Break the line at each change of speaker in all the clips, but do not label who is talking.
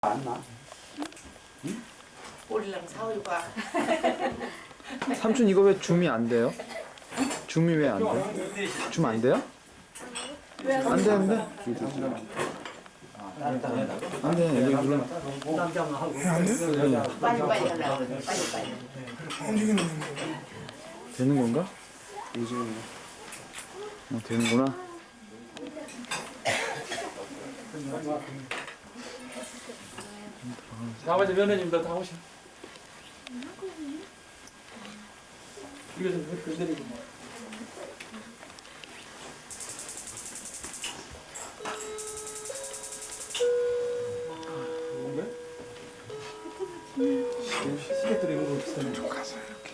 안 나.
우리랑 사오유가
삼촌 이거 왜 줌이 안 돼요? 줌이 왜 안 돼요? 줌 안 돼요? 안 되는데? 안 돼. 여기 눌러.
빨리빨리 하려고 그래. 빨리빨리.
되는 건가? 되는구나.
나머지 며느님도 다 오셔. 이거 좀 건드리고 뭐. 뭔가? 시계 들이는 거 비슷하네. 좀 가서 이렇게.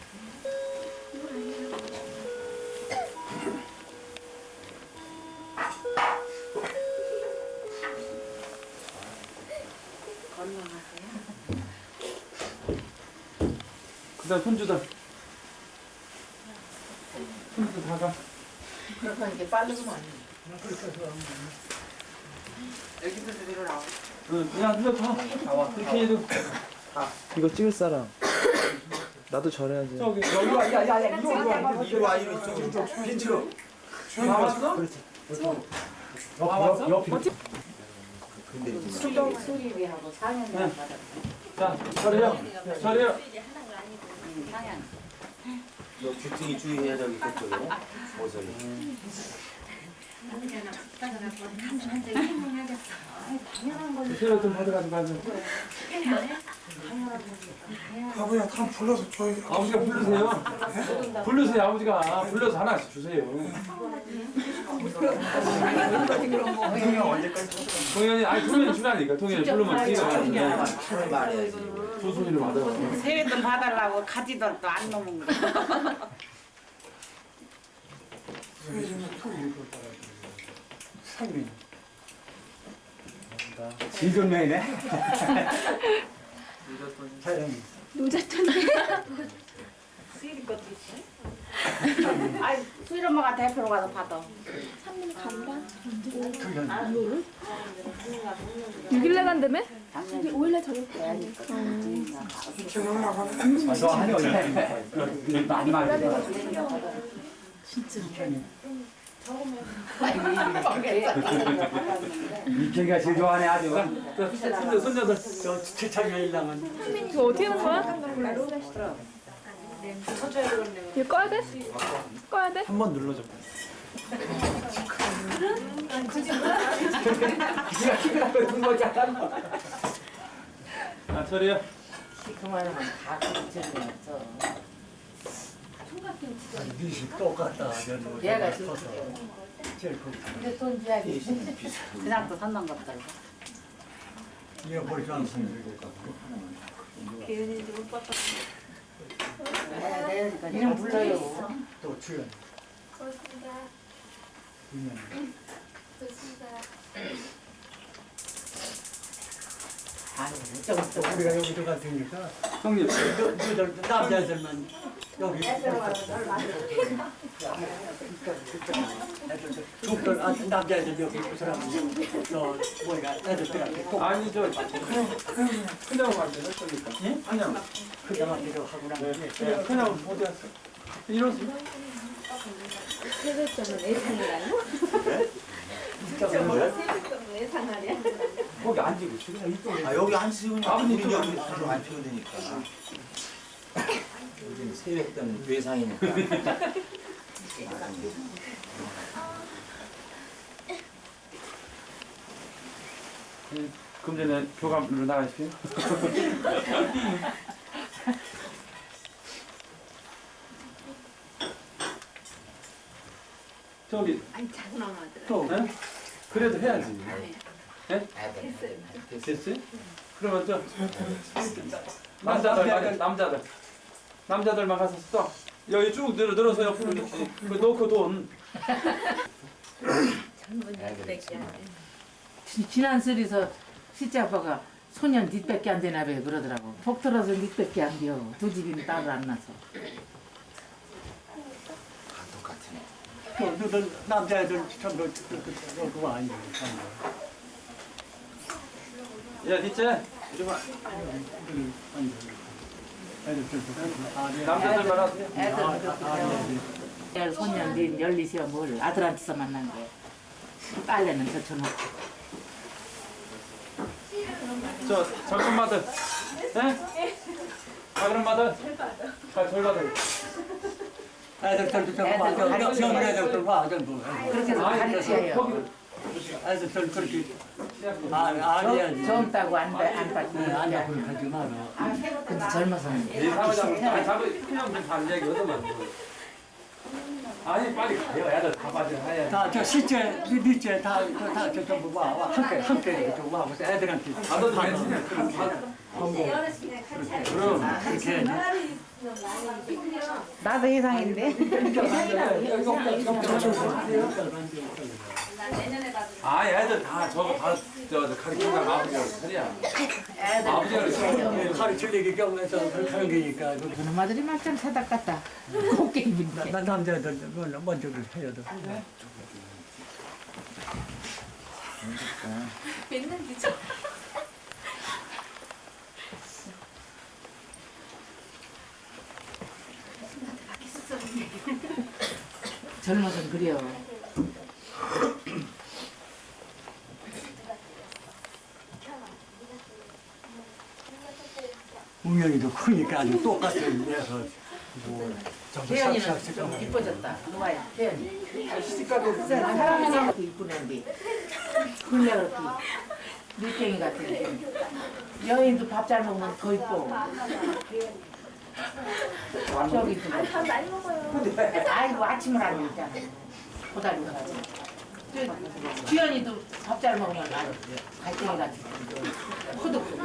그다음 손주들. 손주들 다 가.
그러니까 이게 빠르구만. 애기들 데리러 나와.
야, 누가 가. 나와. 이렇게 해도.
이거 찍을 사람. 나도 저래야지.
저기, 여기 와. 야, 이리 와.
이리 와, 이리 이쪽. 핀치로.
다 왔어? 그렇지. 다 왔어?
수리비하고 4년
네.
받았어.
자, 저리요. 저리요.
상향.
너 귀퉁이 주의해야 저기 그쪽에. 모서리.
세력 좀 받아가지고 가죠.
아버지가 다 불러서 저희
아버지가 부르세요. 부르세요, 아버지가. 불러서 하나씩 주세요. 동현이, 아니, 동현이 주라니까. 동현이 부르면 뛰어요.
차를 말해야지.
조순이를 받아.
세뱃돈 봐달라고 가지도 또 안 넘은 거.
상이
지존명이네.
수일 것도 있어? 아니, 수일 엄마가 대표로 가서 받아.
6일날 간다며?
작년에
5일날 저녁 때
지나가고 하는
너 한이 어디 많이 말해. 이태기가 제일 좋아하네 아주.
손녀들.
저 최창현이랑은
이거 어떻게 하는 거야? 이거 꺼야 돼? 꺼야 돼?
한 번 눌러줘.
아, 저리요.
그만하면 다 그치는
미식 똑같다.
얘가 지금
제일 그
근데 돈 줘야지. 그냥 또 산단 것들.
얘 머리 좋아하는 분들이
내니까 이름 불러요.
또 출연.
아니, 좀
우리가 여기 들어갔으니까
형님.
너희들 남자애들만 여기 애들 남자애들 여기 그 사람 저 뭐가 애들들한테 꼭
아니, 저, 큰형 안 되나? 저니까. 예? 큰형.
그냥한테도 하고 나는데
네, 큰형 어디 갔어? 이러지.
거기 앉고 그냥 이쪽. 아 여기 앉으면 아버님 여기 바로 안 피면 되니까. 요즘 세뱃 때는 외상이니까.
그럼 전에 교감으로 나가십시오. 저기.
아니 작은 엄마들
또, 예? 그래도 해야지. 예? 됐어요? 그러면 저 남자들만 가서 또 여기 쭉 늘어서 옆으로 이렇게 그 놓고 돈.
지난 설에서 시째 아빠가 소년 뒷밖에 안 되나 봐 그러더라고. 복 들어서 뒷밖에 안 돼요. 두 집이는 따로 안 나서.
다 똑같네.
너희들 남자애들 전부 그거 아니에요.
야, 뒷째. 남자들만 하세요.
애들 손녀인데 열리시어 뭘 아들한테서 만난 거야. 빨래는 젖혀놓고.
잠깐마들. 예? 작은 마들. 절 받아.
애들 젊은 애들 와 전부.
그렇게 해서 가르쳐요.
애들 그렇게 아니야.
젊다고 안 받고.
아니야 그렇게 하지 마라.
근데 젊어서는
이 사무장 그냥 좀 반대기 얻으면 아니 빨리 가요. 애들 다 빠져.
다저 시체 밑에 다 전부 와 함께 좀 와. 그래서 애들한테
다들 괜찮냐? 그럼
그렇게 해야지.
나도 이상인데.
아, 애들 다 저거 다 가르치는 아버지가 소리야. 아버지가
가르칠 얘기 경험해서 그렇게 하는 거니까.
그놈 아들이 막상 사닥 같다. 곱게 입은데.
난 남자들 먼저 해야 돼.
맨날 늦어.
젊어서는 그래요.
우연히도 크니까 아주 똑같은 데서
태연이는 좀 이뻐졌다. 누가야? 태연이. 사람이 그 이쁜 애인데. 근래 그렇게 밀갱이 같은 여인도 밥 잘 먹으면 더 이뻐. 저기 밥 많이 먹어요. 아이고 아침을 안 먹잖아. 고다리가 가지고. 주연이도 밥 잘 먹으면 아주 갈등이 같은 후득.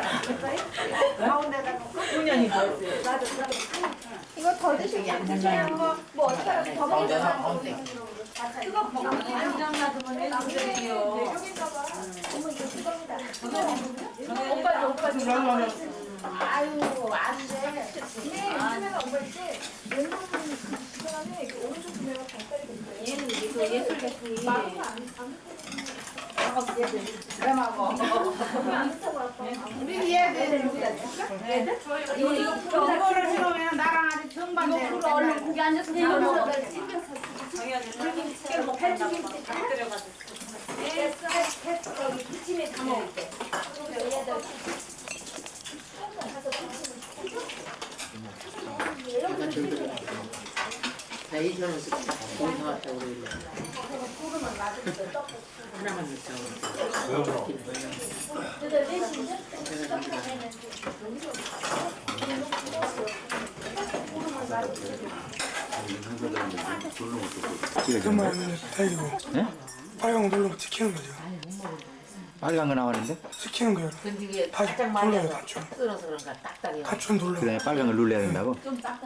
훈연이도
이거 더 드시면 드시면 뭐 어떻게 하라고 더 먹으면 그거 먹으면 안정 놔두면 남들이요. 어머 이거 그겁니다. 오빠 아유 안 돼. 네 요즘에는 오빠 있지. 왼손은 그 사람이 오른쪽 구매가 발달이 됐어요. 얘는 이거 예술 개수이 마음은 안
우리 얘들 이거를 들어오면 나랑 아주 정반대.
이거 얼른 고기 앉아서 먹어. 기침에 다 먹을 때.
나이 젊어서 거기 나왔다고 그러길래 하나만 넣자고.
그만 데리고 빨간 거 누르면 지키는 거죠.
빨간 거 나왔는데?
지키는 거예요.
근데 이게
다
가장
눌러요,
많이
단추.
쓸어서 그런가 딱딱해요.
단추 눌러.
그다음에 빨간 걸 눌러야 된다고?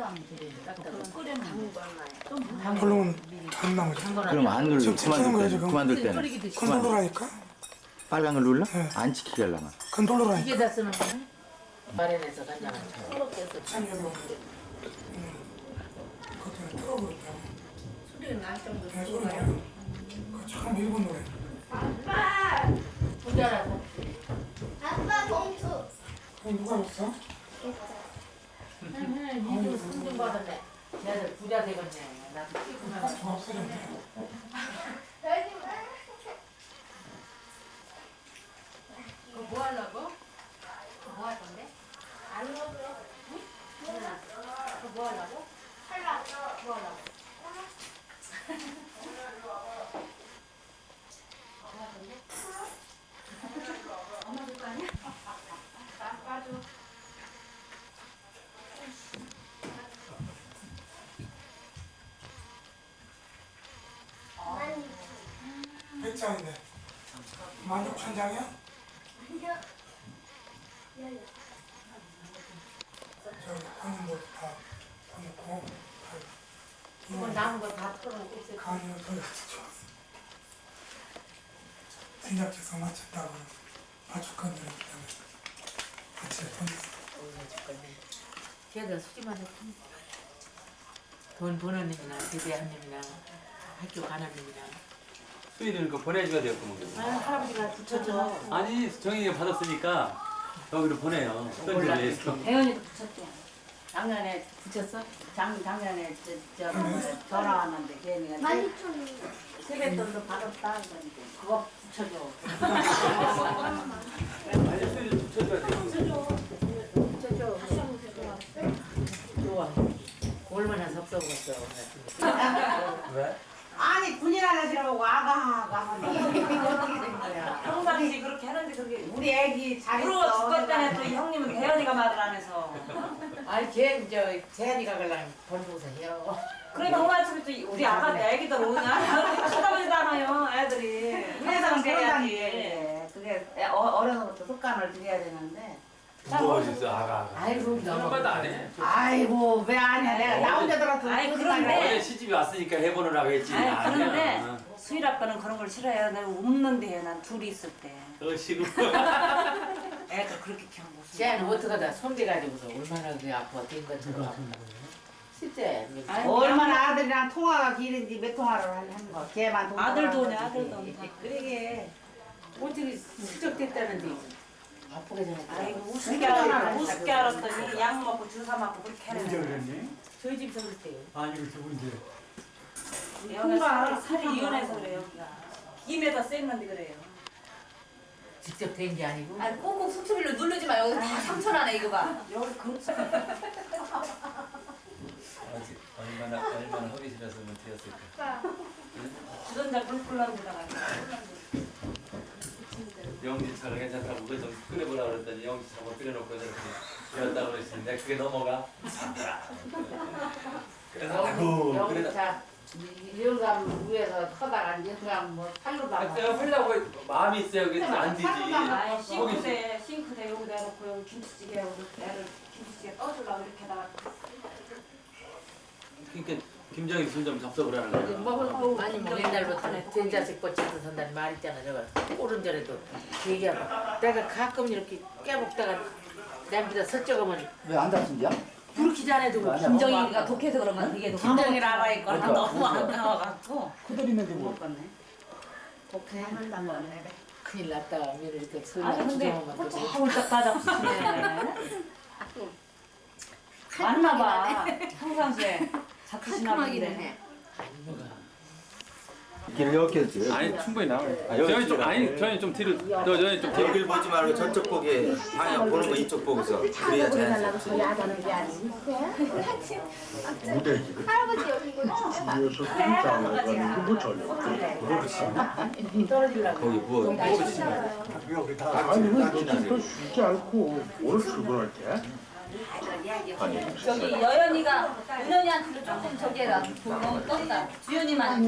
누르면 안 나오죠.
그럼 안 눌러.
지금 지키는 거예요, 지금.
그만둘 때는.
그건 누르라니까.
빨간 걸 눌러?
네.
안 지키게 하려면.
그건 누르라니까.
이게 다 쓰는 거네? 마련해서 간장을 쳐.
그것도 틀어버렸다고. 소리는 날 정도 들어가요. 참 일본 노래.
부자라서.
아빠 봉투.
그건 누가 줬어?
이들 승진 받았네. 걔들 부자 되겠네. 나도 피곤하고.
종합 쓰레네.
이거 뭐 하려고? 뭐 할 건데? 안 먹으러. 응? 그거 뭐 하려고? 하려고. 뭐 하려고? 엄마 줄 거 아니야? 나 빠져.
몇 장인데? 16,000장이야? 저기 하는 거다 넣고
이거 남은 거 다 털어놓고 있어.
간이가 더 좋았어. 생각해서 맞췄다고 맞출 건데 때문에 같이 보냈어.
걔들 수지만 했고. 돈 버는 놈이나 제대한 놈이나 학교 가는 놈이나
수일이는 그 보내줘야 되겠구먼.
할아버지가 붙여줘.
아니 정희가 받았으니까 여기로 보내요. 편지에서.
대현이도 붙였대. 작년에 붙였어? 작년에 전화 왔는데 걔네가
12,000원.
세뱃돈도 받았다. 그거 붙여줘.
수일이 붙여줘야 돼.
좋아. 얼마나 섭섭했어.
왜?
아니 군인 아저씨라고 아가
평상시 그렇게 하는데 그게
우리 애기
부러워
잘했어.
죽었잖아. 또 이 형님은 대현이가 말을 안 해서.
아니 걔 재현이가 그냥 벌고서 해요.
그러니까 엄마처럼 또 우리 아가 애기들 오냐? 쳐다보지도 않아요 애들이.
회사는
해야지.
해야지. 그게 어려서부터 습관을 들여야 되는데.
무거워 진짜 아가.
아이고
한 번도 안 해.
아이고 왜 아냐 내가 나 혼자 들어서
아이,
무슨
그런데-
말이야.
어제 시집이 왔으니까 해보느라고 했지.
아니 그런데
아니야.
수일 아빠는 그런 걸 싫어해요. 내가 웃는데 해요. 난 둘이 있을 때.
시고.
애들 그렇게 키우는 거.
쟤는 어떡하다 손대가지고서 얼마나 그 아파 된 것처럼 아픈 거야. 실제
얼마나 아들이랑 통화가 길은지 몇 통화를 하는 거. 걔만 돈
아들도
벌어가지고.
오냐 아들도 오냐.
그러게 어떻게 슬쩍됐다는데 아프게 전했다.
아이고 우습게 알았더니 약 먹고 주사 맞고 그렇게
언제
하는
그랬니?
저희 집에서 그랬대요.
아니 그 누군지.
여기가 살이 이혼해서 그래요. 여기가 김에다 쎘는데 그래요.
직접 된 게 아니고.
아, 꼭꼭 속초비로 누르지 마. 여기 다 상처 나네, 이거 봐.
여기 그렇지.
얼마나 허기실었으면 되었을까.
주전자 뿔뿔 나오다가
영지처럼 괜찮다고 그거 좀 끓여보라 그랬더니 영지처럼 끓여놓고 저렇게 그랬다고 그랬는데 그게 넘어가. 그래서 아이고
여기
그래도
자 이영감 위에서 커다가 이제 그냥 뭐 팔로도 안
내가 하려고 마음이 있어야 그게 안 되지.
아이 싱크대 여기다 놓고 여기 김치찌개 하고 애를 김치찌개 떠주려고 이렇게다가
그러니까 김정희 순좀 접속을 하는 거야.
뭐 아니 뭐 옛날부터 된자식 뻗쳐서 산다는 말 있잖아. 저거 오른절에도 얘기하고 내가 가끔 이렇게 깨먹다가 냄비다 설적하면
왜 안 다친지야?
부르기 전에 두고
김정희가 독해서 그런 건 그게
김정일 알아 있거나
그러니까.
너무 안 나와갖고
그들이는데 뭐.
못 갔네. 독해 한단 거네.
큰일 났다. 며느리 이렇게
아니
설명
근데
주정하면 또
홀딱 따잡수시네. 맞나봐. 평상시에 자꾸시나 본데.
길을 이렇게 했지.
아니 충분히 나와요.
여기
저희 좀
지금.
아니 저희 좀 뒤로 저희 좀 뒤로.
여길 보지 말고 저쪽 보게 방향 보는 거 이쪽 보고서 그래야 자연스럽지.
할아버지 여기 이거
떨어지려고.
거기 뭐 뭐지?
여기 다
아니 왜 집도 쉬지 않고 오늘 출근할 때?
저기 여연이가 은연이한테 조금 저기 해라. 너무 떴다. 주연이만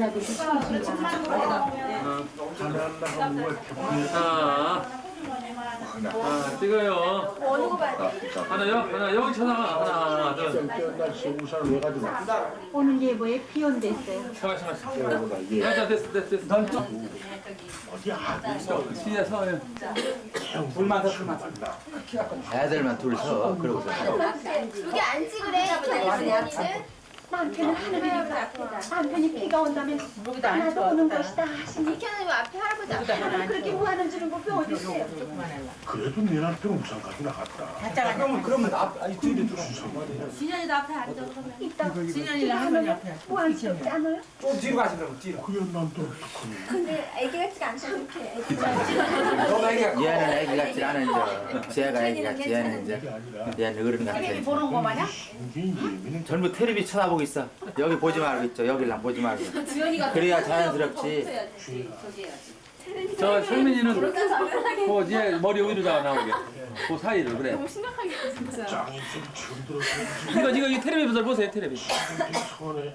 찍어요.
어느 거 봐야 돼?
하나 여기 쳐다 하나 둘.
날씨 우산을 왜 가지고 왔어?
오늘 예보에 비 온댔어요.
생각보다 얘
야 됐어.
어디 아들
시야 서요.
불만 더 불만. 애들만 둘 서. 그러고서.
여기 안 찍으래. 주연이는 남편은 하늘이 앞에다. 남편이 비가 온다면
여기다 안
나도 오는
찍어.
것이다 하시니 이렇게는 앞에 할아버지 앞에
하나 안
그렇게 후하는 주는 법이 어디 있어요?
조금만 해라.
그래도 내 남편 우산까지 나갔다.
그러면 아니 뒤로 들어.
진현이도 앞에 앉아 그러면 이따
진현이랑 할머니 앞에.
후한스럽지 않아요?
좀 뒤로 가시라고 뒤로.
그게 난또 어떡하니?
근데 애기 같지가 않다 이렇게
너무 애기가 얘는 애기 같지 않은 저 쟤가 애기 같지 얘는
그게
이제
아니라
얘는 어른 같아.
텔레비 보는 거 마냥?
신경이 예민한
전부 텔레비 쳐다보고 있어. 여기 보지 말고 있죠. 여기랑 보지 말고.
주연이가
그래야 자연스럽지.
저기 해야지.
저 성민이는
그러니까 당연하게
그얘 머리 위로다가 나오게. 그 사이를 그래.
너무 심각하게 진짜.
짱이 좀 처음 들어서
이거 이 텔레비전 보세요 텔레비.
손에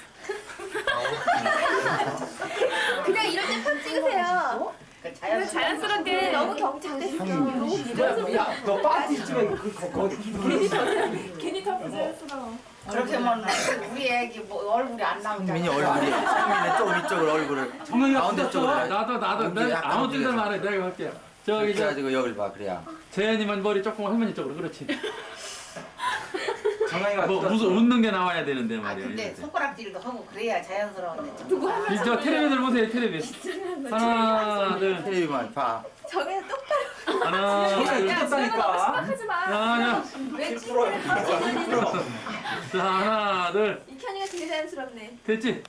그냥 이럴 때 편 찍으세요. 자연스럽게 너무 경청됐어.
야너 파티 찍어 거기.
괜히 더 부자연스러워.
그렇게 하면 우리 애기 뭐 얼굴이 안 나오잖아.
민이 얼굴이 성민이 조금 이쪽으로 얼굴을
정영이가
가운데 쪽으로 해.
나도
여기
내가
약간
아무 뜻대로
뒤에서.
말해 내가 할게. 저기 저
그래가지고 여길 봐 그래야.
재현이만 머리 조금 할머니 쪽으로 그렇지.
정강이가
뭐 무슨 웃는 게 나와야 되는데
아
말이야.
근데 손가락질도 하고 그래야 자연스러운데.
저 텔레비들 보세요 텔레비. 하나 둘
텔레비만 봐.
저게 똑바로
하나
떴다니까.
하지 마.
하나
왜 칭찬을
자, 하나 둘
이현이가 되게 자연스럽네.
됐지?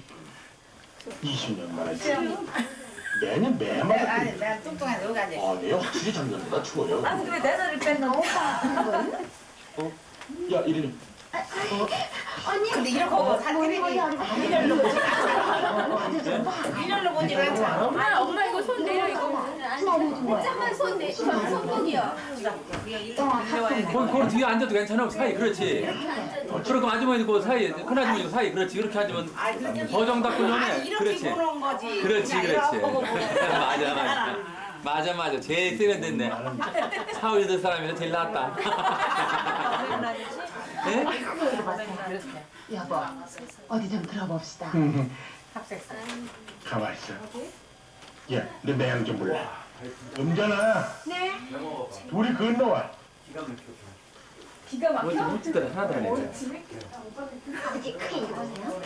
20년 만이지. 매년 매마다
아니 내가 뚱뚱해서 여기 앉아.
아, 내 확실히 작년보다 추워요.
아 근데 왜 내 너를 뺐나 오빠.
야, 이리는
근데 이런 거 사람들이 일렬로 보지 일렬로 보지를 않잖아.
엄마 이거 손 내려 이거. 잠깐만 손 내. 손목이요.
거기 뒤에 앉아도 괜찮아 사이 그렇지. 그렇게 아주머니 그 사이 큰 아주머니 그 사이 그렇지 이렇게 앉으면 버정 닦고
아니
전에
이렇게
그렇지.
보는 거지.
그렇지
그냥
그렇지.
이러고 보고.
맞아 제일 세련됐네. 사오여덟 사람이라 제일 낫다. 네?
여보 어디 좀 들어봅시다. 합색사.
가만 있어. 야, 내 매양 좀 몰라. 은전아.
네.
둘이 건너와.
기가 막혀.
묻지들 하나도 안 해.
아버지 크게 입으세요.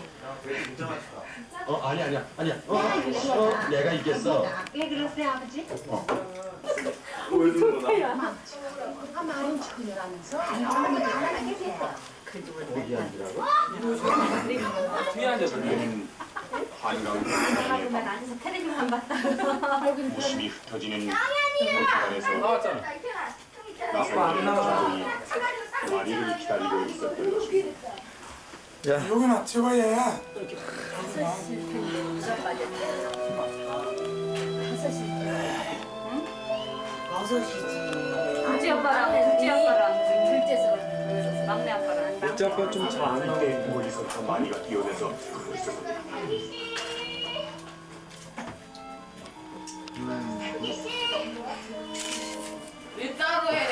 아니야. 내가 이겼어.
왜 그러세요 아버지?
마른 척이라면서.
어머니 가만히 계세요.
뒤에 앉아서
보면 앉아서 텔레비만 봤다.
웃음이 흩어지는 안에서
나왔잖아.
나선이의 가족이 마리를 기다리고 있었던 것입니다.
야,
여기나 찍어야.
둘째 아빠랑 둘째 막내 아빠랑
둘째 아빠 좀잘안 나오게 머리서 마리가 뛰어내서 그러고 있었거든.
이 따로 해.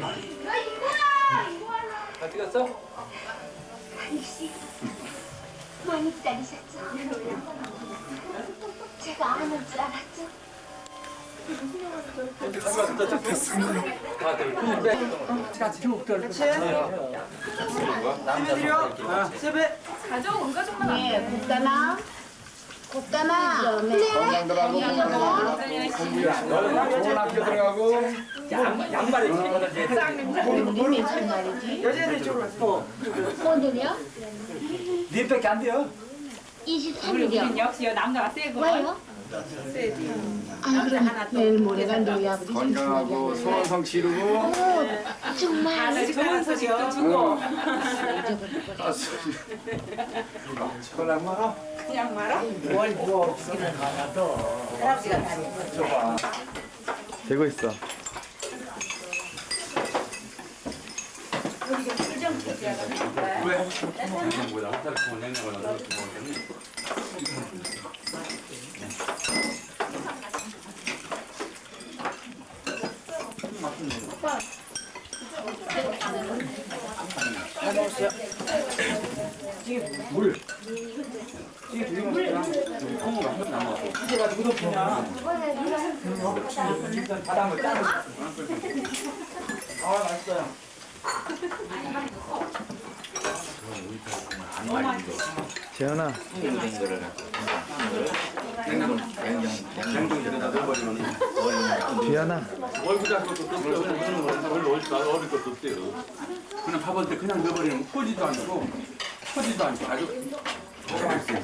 다 찍었어?
아저씨 많이 기다리셨죠? 제가 안 올 줄 알았죠?
다들 큰일
가족 가족만 안
예, 곱다나. 곱다나.
건강들하고 좋은 학교 들어가고
양말이
여자들 쪽으로
오늘이요?
니밖에 안 돼요.
23일이요.
역시 남자가 세고.
왜요?
아니 그럼 내일 모레가 너희 아버지
건강하고 소원성 지르고
정말
좋은 소식도 주고.
그냥 말아.
그냥 말아?
뭘뭐 없기는 많아도 할아버지가 다 해.
되고 있어.
왜? 뭐야? 한달 냉장고에 넣어서 먹었더니
물. 이게 되게 맛있다.
콩을 한 번도 안 먹었어.
이게 가지고 덮이냐. 일단 바닥을 짜고. 아, 맛있어요.
재현아,
냉동실에다 넣어버리면
뒤하나.
얼굴 잡고 또 떴어요. 별로 어릴 것 떴어요. 그냥 밥을 때 그냥 넣어버리면 꺼지도 않고 터지도 않고 아주 맛있어요.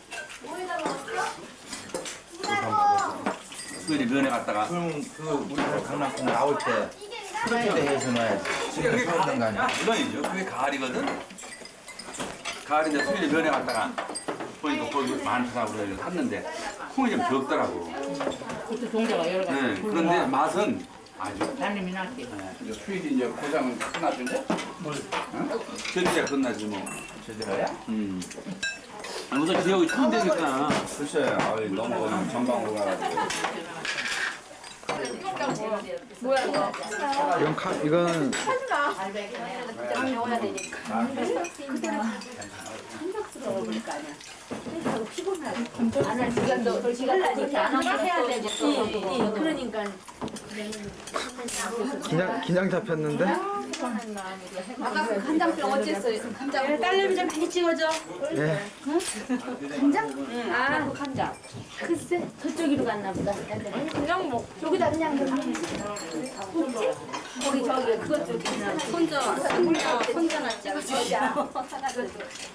수일이 면회 갔다가
그럼 그 우리 강남콩 나올 때 프로필 해서 놔야지.
그게
그런 거 아니야?
물론이죠. 그게 가을이거든. 가을인데 수일이 면회 갔다가 보니까 거기 많더라고 그래서 샀는데 콩이 좀 적더라고.
그것도 종자가 여러 가지.
네, 그런데 맛은 아주
달님이 낫게.
수일이 이제 고장은 끝났는데?
견디야 끝나지 뭐.
제대로야?
우선 지역이 처음 되니까
글쎄, 넘어가면 전방으로 가가지고.
이건
배워야 되니까. 안할 시간도 시간도 안 하고 해야 되지. 그러니까
긴장 잡혔는데?
아까 그 간장병 어쨌어요? 간장.
딸내미 좀 많이 찍어줘.
예.
간장?
아, 그 간장.
글쎄 저쪽으로 갔나 보다.
그냥 뭐
여기다 그냥 넣으면 거기 저기 그것 좀
혼자 찍어줘.